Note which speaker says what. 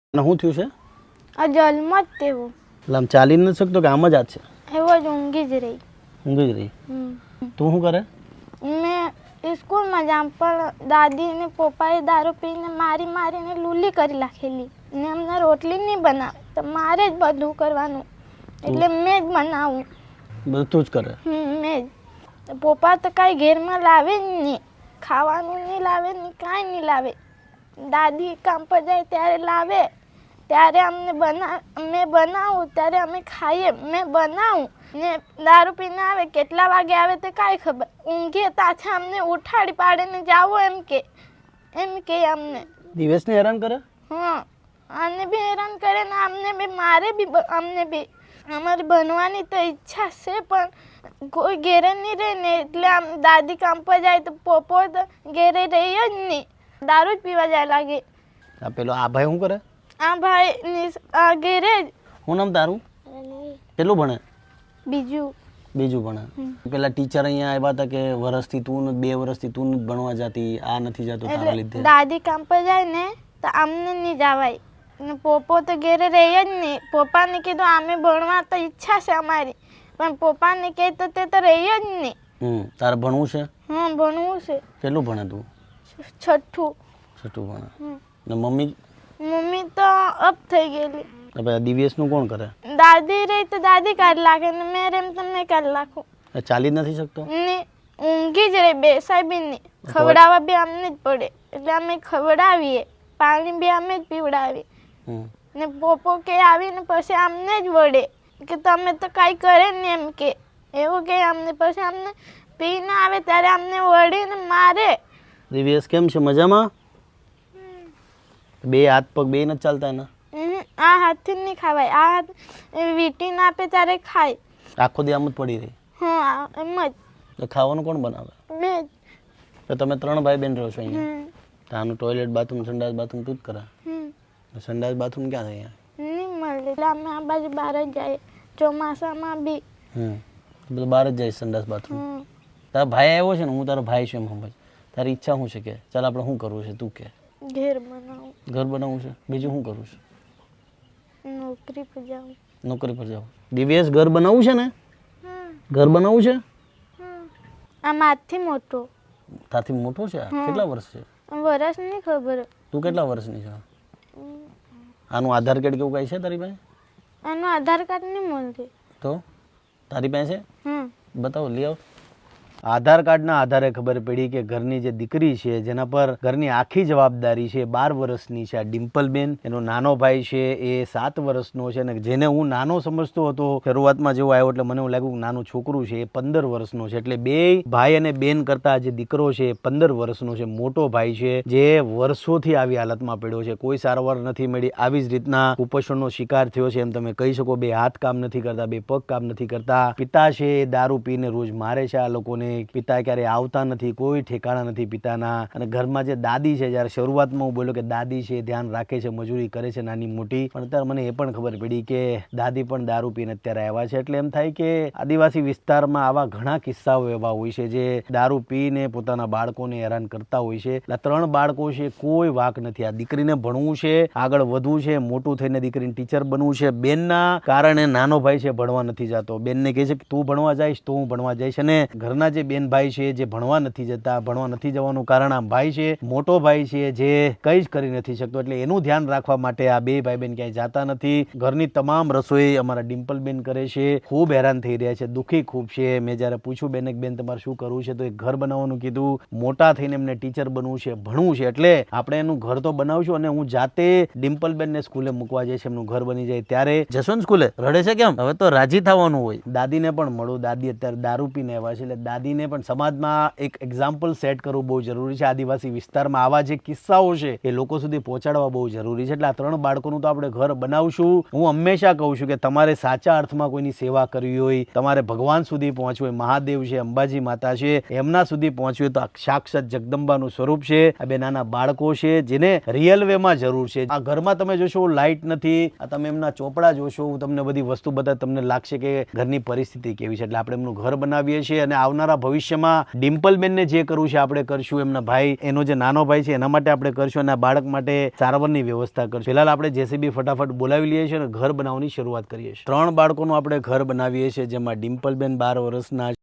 Speaker 1: અને શું થયું છે?
Speaker 2: આ જન્મ જ તેવો.
Speaker 1: એટલે આમ ચાલી નથી શકતો કે આમ જ હાથ છે?
Speaker 2: એવો જ ઊંઘી જ રહી.
Speaker 1: ઊંઘી જ રહી. તું શું કરે?
Speaker 2: મેં સ્કૂલમાં જામ પણ દાદી ને પપ્પાએ દારૂ પીને મારીને લૂલી કરી નાખેલી ને અમને રોટલી નહીં બનાવે તો મારે જ બધું કરવાનું એટલે મેં જ બનાવું.
Speaker 1: બધું તું જ કરે?
Speaker 2: મેં જ. પપ્પા તો કાંઈ ઘેરમાં લાવે જ નહીં, ખાવાનું નહીં લાવે ને કાંઈ નહીં લાવે. દાદી કામ પર જાય ત્યારે લાવે, ત્યારે અમને મેં બનાવું ત્યારે અમે ખાઈએ. મેં બનાવું ને દારૂ પીને આવે, કેટલા વાગે આવે તે કાંઈ ખબર. ઊંઘીએ પાછા અમને ઉઠાડી પાડે ને જાવો એમ કે અમને.
Speaker 1: દિવસને હેરાન કરે?
Speaker 2: હા, આને બી હેરાન કરે ને અમને બી મારે બી અમને બી. અમારી બનવાની તો ઈચ્છા છે પણ કોઈ ઘેરે નહીં રહે ને એટલે આમ દાદી કામ પર જાય તો પપ્પો તો ઘેરે રહી જ નહીં, દારૂ જ પીવા જાય લાગે.
Speaker 1: આ પેલો આ ભાઈ શું કરે?
Speaker 2: આ ભાઈ આ ઘેરે જ.
Speaker 1: શું નામ તારું? કેટલું ભણે?
Speaker 2: બીજું
Speaker 1: ભણે. પેલા ટીચર અહીંયા આવ્યા હતા કે વર્ષથી તું 2 વર્ષથી તું નથી ભણવા જતી, આ નથી જતો તારા લીધે.
Speaker 2: દાદી કામ પર જાય ને તો અમને નહીં જવાય ને પપ્પો તો ઘેરે રહી જ નહીં. પપ્પાને કીધું અમે ભણવા તો ઈચ્છા છે અમારી પણ પપ્પાને કહે તો તે તો રહી જ નહીં.
Speaker 1: તારે ભણવું છે?
Speaker 2: હા, ભણવું છે.
Speaker 1: કેટલું ભણે તું?
Speaker 2: 6ઠું
Speaker 1: ભણે. ને મમ્મી
Speaker 2: તો અપ થઈ ગયેલી.
Speaker 1: હવે દિવ્યેશનું કોણ કરે?
Speaker 2: દાદી રહી તો દાદી કાઢ લાગે ને મેં રેમ તો મેં કાઢ નાખું.
Speaker 1: ચાલી જ નથી શકતો
Speaker 2: ને ઊંઘી જ રહી, બેસાય બી નહીં. ખવડાવવા બી અમને જ પડે એટલે અમે ખવડાવીએ, પાણી બી અમે જ પીવડાવીએ. ને પોપો કે આવીને પછી અમને જ વળે કે તમે તો કાંઈ કરે ને એમ કે એવું કે અમને. પછી અમને પીને આવે ત્યારે અમને વળીને મારે.
Speaker 1: દિવ્યેશ કેમ છે? મજામાં? 2 હાથ પગ 2 નથી ચાલતા ને?
Speaker 2: આ હાથથી નહીં ખાવાય, આ હાથ વીટીને આપે ત્યારે ખાય.
Speaker 1: આખો દી આમ જ પડી રહી?
Speaker 2: હા, એમ જ.
Speaker 1: તો ખાવાનું કોણ બનાવે?
Speaker 2: મેં જ.
Speaker 1: તો તમે 3 ભાઈ બહેન રહો છો અહીંયા? તો આનું ટોયલેટ બાથરૂમ સંડાસ બાથરૂમ તું જ કરે? સંડાસ બાથરૂમ ક્યાં છે અહીંયા?
Speaker 2: નહીં મળે એટલે અમે આ બાજુ બહાર જ જઈએ, ચોમાસામાં બી.
Speaker 1: બધું બહાર જ જાય સંડાસ બાથરૂમ. તારા ભાઈ આવ્યો છે ને, હું તારો ભાઈ છું એમ સમજ. તારી ઈચ્છા શું છે કે ચાલ આપણે શું કરવું છે તું કે?
Speaker 2: ઘર બનાવું.
Speaker 1: ઘર બનાવવું છે? બીજું શું કરવું છે?
Speaker 2: નોકરી પર જાઉં.
Speaker 1: નોકરી પર જાવ. દિવ્યેશ ઘર બનાવવું છે ને? ઘર બનાવવું છે?
Speaker 2: આ માથી મોટો.
Speaker 1: તારથી મોટો છે? કેટલા વર્ષ છે?
Speaker 2: વર્ષ નહીં ખબર.
Speaker 1: તું કેટલા વર્ષની છે? આનું આધાર કાર્ડ કેવું કઈ છે તારી પાસે?
Speaker 2: આનું આધાર કાર્ડ નહીં મળતું.
Speaker 1: તો તારી પાસે બતાવો, લઈ આવ. આધાર કાર્ડના આધારે ખબર પડી કે ઘરની જે દીકરી છે જેના પર ઘરની આખી જવાબદારી છે 12 વર્ષની છે આ ડિમ્પલબેન. એનો નાનો ભાઈ છે એ 7 વર્ષનો છે અને જેને હું નાનો સમજતો હતો શરૂઆતમાં જેવો આવ્યો એટલે મને એવું લાગ્યું કે નાનું છોકરું છે એ 15 વર્ષનો છે. એટલે 2 ભાઈ અને બેન કરતા જે દીકરો છે એ 15 વર્ષનો છે. મોટો ભાઈ છે જે વર્ષોથી આવી હાલતમાં પડ્યો છે, કોઈ સારવાર નથી મળી, આવી જ રીતના કુપોષણનો શિકાર થયો છે એમ તમે કહી શકો. 2 હાથ કામ નથી કરતા, 2 પગ કામ નથી કરતા. પિતા છે એ દારૂ પીને રોજ મારે છે આ લોકોને. પિતા ક્યારે આવતા નથી, કોઈ ઠેકાણા નથી પિતાના. અને ઘરમાં જે દાદી છે, જ્યારે શરૂઆતમાં હું બોલ્યો કે દાદી છે ધ્યાન રાખે છે, મજૂરી કરે છે નાની મોટી, પણ અત્યારે મને એ પણ ખબર પડી કે દાદી પણ દારૂ પીને અત્યારે આવ્યા છે. એટલે એમ થાય કે આદિવાસી વિસ્તારમાં આવા ઘણા કિસ્સાઓ એવા હોય છે જે દારૂ પીને પોતાના બાળકોને હેરાન કરતા હોય છે. એટલે 3 બાળકો છે, કોઈ વાક નથી. આ દીકરીને ભણવું છે, આગળ વધવું છે, મોટું થઈને દીકરીને ટીચર બનવું છે. બેનના કારણે નાનો ભાઈ છે ભણવા નથી જતો. બેનને કહે છે કે તું ભણવા જઈશ તો હું ભણવા જઈશ. અને ઘરના જે બેન ભાઈ છે જે ભણવા નથી જતા, ભણવા નથી જવાનું કારણ આ ભાઈ છે, મોટો ભાઈ છે જે કંઈ જ કરી નથી શકતો. એટલે એનું ધ્યાન રાખવા માટે આ 2 ભાઈ બહેન ક્યાંય જાતા નથી. ઘરની તમામ રસોઈ અમારા ડિમ્પલબેન કરે છે. ખૂબ હેરાન થઈ રહ્યા છે, દુઃખી ખૂબ છે. મેં જ્યારે પૂછ્યું બેન કે બેન તમારે શું કરવું છે તો એક ઘર બનાવવાનું કીધું. મોટા થઈને એમને ટીચર બનવું છે, ભણવું છે. એટલે આપણે એનું ઘર તો બનાવશું અને હું જાતે ડિમ્પલબેનને સ્કૂલે મૂકવા જઈશ. એમનું ઘર બની જાય ત્યારે જશો ને સ્કૂલે. રડે છે કેમ? હવે તો રાજી થવાનું હોય. દાદીને પણ મળું. દાદી અત્યારે દારૂ પીને આવ્યા છે એટલે દાદીને પણ સમાજમાં એક એક્ઝામ્પલ સેટ કરવું બહુ જરૂરી છે. આદિવાસી વિસ્તારમાં આવા જે કિસ્સાઓ છે એ લોકો સુધી પહોંચાડવા બહુ જરૂરી છે. એટલે આ 3 બાળકોનું તો આપણે ઘર બનાવશું. હું હંમેશા કહું છું કે તમારે સાચા અર્થમાં કોઈની સેવા કરવી હોય, તમારે ભગવાન સુધી પહોંચવું હોય, મહાદેવ છે, અંબાજી માતા છે, એમના સુધી પહોંચવું હોય તો આ સાક્ષાત જગદંબાનું સ્વરૂપ છે. આ 2 નાના બાળકો છે જેને રિયલ વેમાં જરૂર છે. આ ઘરમાં તમે જોશો લાઇટ નથી, આ તમે એમના ચોપડા જોશો, હું તમને બધી વસ્તુ બતા, તમને લાગશે કે ઘરની પરિસ્થિતિ કેવી છે. એટલે આપણે એમનું ઘર બનાવીએ છીએ અને આવનારા ભવિષ્યમાં ડિમ્પલબેનને જે કરવું છે આપણે કરશું, એમના ભાઈ, એનો જે નાનો ભાઈ છે એના માટે આપણે કરશું, અને આ બાળક માટે સારવારની વ્યવસ્થા કરશું. ફિલહાલ આપણે જેસીબી ફટાફટ બોલાવી લઈએ છીએ અને ઘર બનાવવાની શરૂઆત કરીએ છીએ. 3 બાળકોનું આપણે ઘર બનાવીએ છીએ, જેમાં ડિમ્પલબેન 12 વર્ષના